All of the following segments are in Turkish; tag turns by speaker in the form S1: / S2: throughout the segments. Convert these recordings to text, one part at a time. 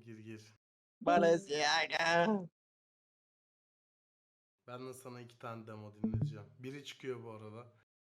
S1: Gir.
S2: Balenciaga.
S1: Ben de sana 2 tane demo dinleteceğim. Biri çıkıyor bu arada.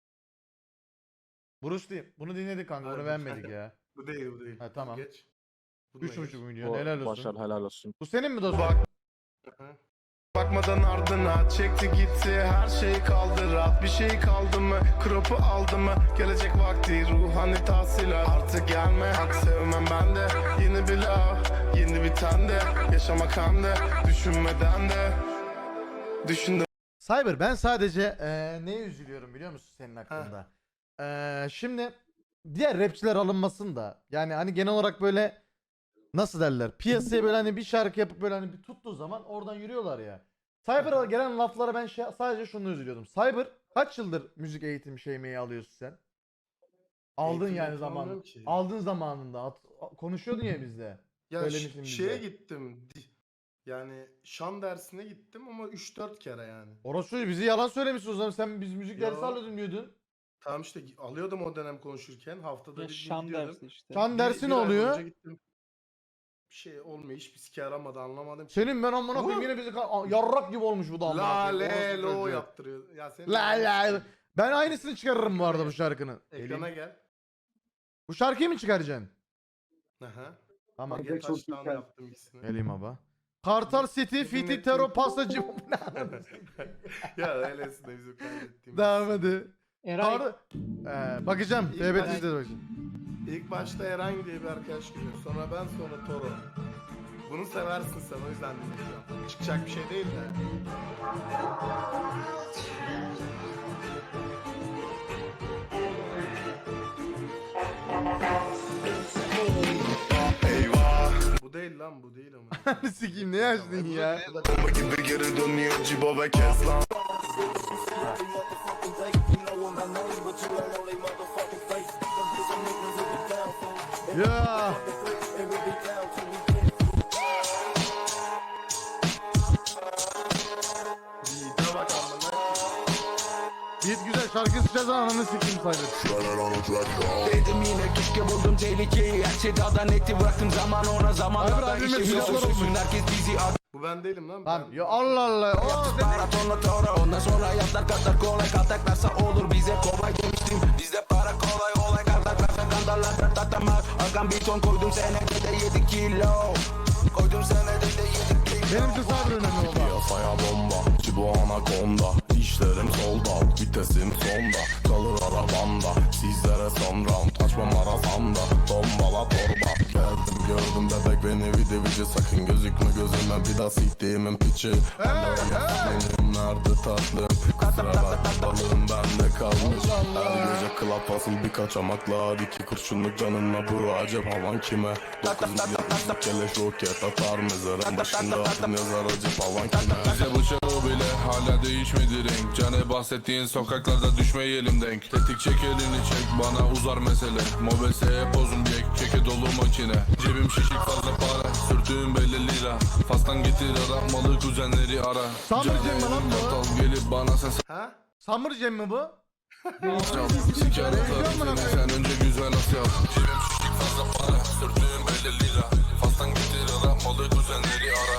S3: Bruce Lee. Bunu dinledik kanka. Bunu
S1: Hayır,
S3: beğenmedik ya.
S1: Bu değil.
S3: Ha, tamam.
S1: Geç. Bununla
S3: 3,5 milyon.
S2: O
S3: Helal
S2: başar
S3: olsun.
S2: helal olsun.
S3: Bu senin mi dostum?
S1: Hı. Bakmadan ardına çekti gitti, her şey kaldı, rahat bir şey kaldı mı, kropu aldı mı, gelecek vakti ruhani tahsilat, artık gelme, hak sevmem ben de, yeni bir laf, yeni bir tane, yaşamak hande, düşünmeden de, düşündüm.
S3: Cyber, ben sadece neye üzülüyorum biliyor musun senin hakkında? Şimdi diğer rapçiler alınmasın da, yani hani genel olarak böyle nasıl derler, piyasaya böyle hani bir şarkı yapıp böyle hani bir tuttuğu zaman oradan yürüyorlar ya. Cyber'a gelen laflara ben sadece şunu üzülüyordum. Cyber kaç yıldır müzik eğitim şeymeyi alıyorsun sen? Aldın
S1: Eğitim
S3: yani
S1: eğitim
S3: zaman.
S1: almıyorum ki.
S3: Aldın zamanında. Konuşuyordun ya bizde.
S1: Ya
S3: Söylemiştin
S1: şeye
S3: bize.
S1: gittim, yani şan dersine gittim ama 3-4 kere yani.
S3: Orası bizi yalan söylemişsin o zaman. Sen biz müzik dersi
S1: Yo.
S3: alıyordun diyordun.
S1: Tamam işte alıyordum o dönem konuşurken, haftada
S4: Ya
S1: bir gün
S4: şan
S1: gidiyordum.
S4: dersi işte.
S3: Şan dersi ne
S1: Bir ay
S3: oluyor?
S1: boyunca gittim. Bir şey olmuyor, hiçbir sike yaramadı, anlamadım ki.
S3: Senin ben amına koyayım yine bizi yarrak gibi olmuş bu da amına
S1: La
S3: koyayım.
S1: le
S3: Orası
S1: lo
S3: çocuğu.
S1: yaptırıyor. Ya senin
S3: La la. Ben aynısını çıkarırım bu arada bu şarkının.
S1: Ekrana gel.
S3: Bu şarkıyı mı çıkaracaksın?
S1: Aha.
S3: Tamam.
S1: Ege Taş'tan yaptım ikisini.
S3: Geleyim abi. Kartal City, Fiti, Tero, Pastacı.
S1: Ya öylesine de bizim kaydettiğimiz.
S3: Devam hadi.
S4: Eray
S3: Bakacağım.
S1: İlk
S3: TBT
S1: ben-
S3: izledim bakayım.
S1: İlk başta Eren diye bir arkadaş geliyor. Sonra ben, sonra Toro. Bunu seversin sen, o yüzden dinleyeceğim. Çıkacak bir şey değil de. Eyvah. Bu değil lan, bu değil ama.
S3: Sikiyim ne yaşlısın ya?
S1: Bomba gibi geri dönüyor Cibo ve Keslan.
S3: Ya.
S1: Yiğit'e bak amına.
S3: Beat güzel şarkı sıçacağız ananı sikeyim sayılır.
S5: Dedim yine keşke buldum tehlikeyi. Her şey daha da netti, bıraktım zaman ona zamanlarda
S3: Abi, abime
S5: işim yok
S3: silahlar
S5: olsun.
S3: olmuş.
S5: Herkes bizi
S1: Bu ben değilim lan.
S3: Lan
S1: Ben-
S3: ya Allah Allah.
S5: maratonla tora. Ondan sonra hayatlar kadar kolay, kaltaklarsa olur bize kolay demiştim. Bizde para kolay olay, kaltaklarsa kandarlar tatamaz. Arkam bir ton koydum senede de 7 kilo. Koydum senede de 7 kilo.
S3: Benim için sabır önemli oldu.
S6: Piyasaya bomba, Cibo anakonda. İşlerim solda, vitesim sonda. Kalır arabamda, sizlere son round. Açmam arasamda, tombala torba. Geldim gördüm bebek beni vici sakın gözükme gözüme bir daha siktiğimin piçi. Benim nerede tatlım, kusura bakma balığım bende kalmış. Her gece club asıl bir kaçamaklar. 2 kurşunluk canınla buru acep havan kime? 9 milyon keleş roket atar mezarın başında adın yazar acep havan kime?
S7: Bize bu çağı bile hala değişmedi renk. Cane bahsettiğin sokaklarda düşmeyelim denk. Tetik çek elini çek bana uzar mesele. Mobeseye pozum yek çeke dolu makine. Cebim şişik fazla para sürtüğüm belli lira. Fastan getir ara malı kuzenleri ara.
S3: Summer Jam mi lan bu?
S7: Kartal gelip bana sen
S1: Ha?
S3: Summer Jam mi bu?
S7: çal. Siker atarım seni sen önce güzel as yap. Cebim şişik fazla para sürtüğüm belli lira. Fastan getir ara malı kuzenleri ara.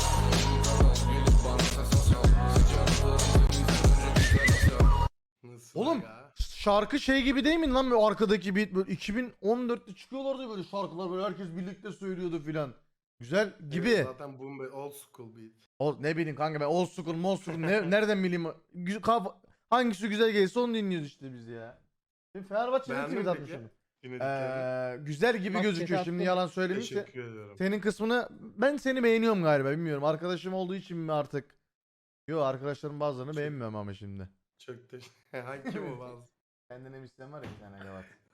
S7: Gelip bana sen çal. Siker atarım seni sen önce güzel as yap.
S1: Nasıl
S3: Oğlum
S1: ya?
S3: şarkı şey gibi değil mi lan böyle arkadaki beat böyle 2014'te çıkıyorlardı böyle şarkılar böyle herkes birlikte söylüyordu filan. Güzel gibi.
S1: Evet, zaten boom be old school beat.
S3: Ne bileyim kanka ben old school nereden bileyim hangisi güzel gelirse onu dinliyoruz işte biz ya. Şimdi Fenerbahçe'nin
S1: Beğendin
S3: tweet
S1: mi
S3: atmışım.
S1: Dinlediklerini.
S3: Güzel gibi
S4: Bak,
S3: gözüküyor
S4: chat
S3: şimdi
S4: attım.
S3: yalan söylemişse.
S1: Teşekkür ediyorum.
S3: Senin kısmını ben seni beğeniyorum galiba bilmiyorum. Arkadaşım olduğu için mi artık? Yo arkadaşlarım bazılarını beğenmiyorum ama şimdi.
S1: Çok teşekkür. Hangi bu bazı?
S3: Kendine bir isteyen var ya bir tane yalan.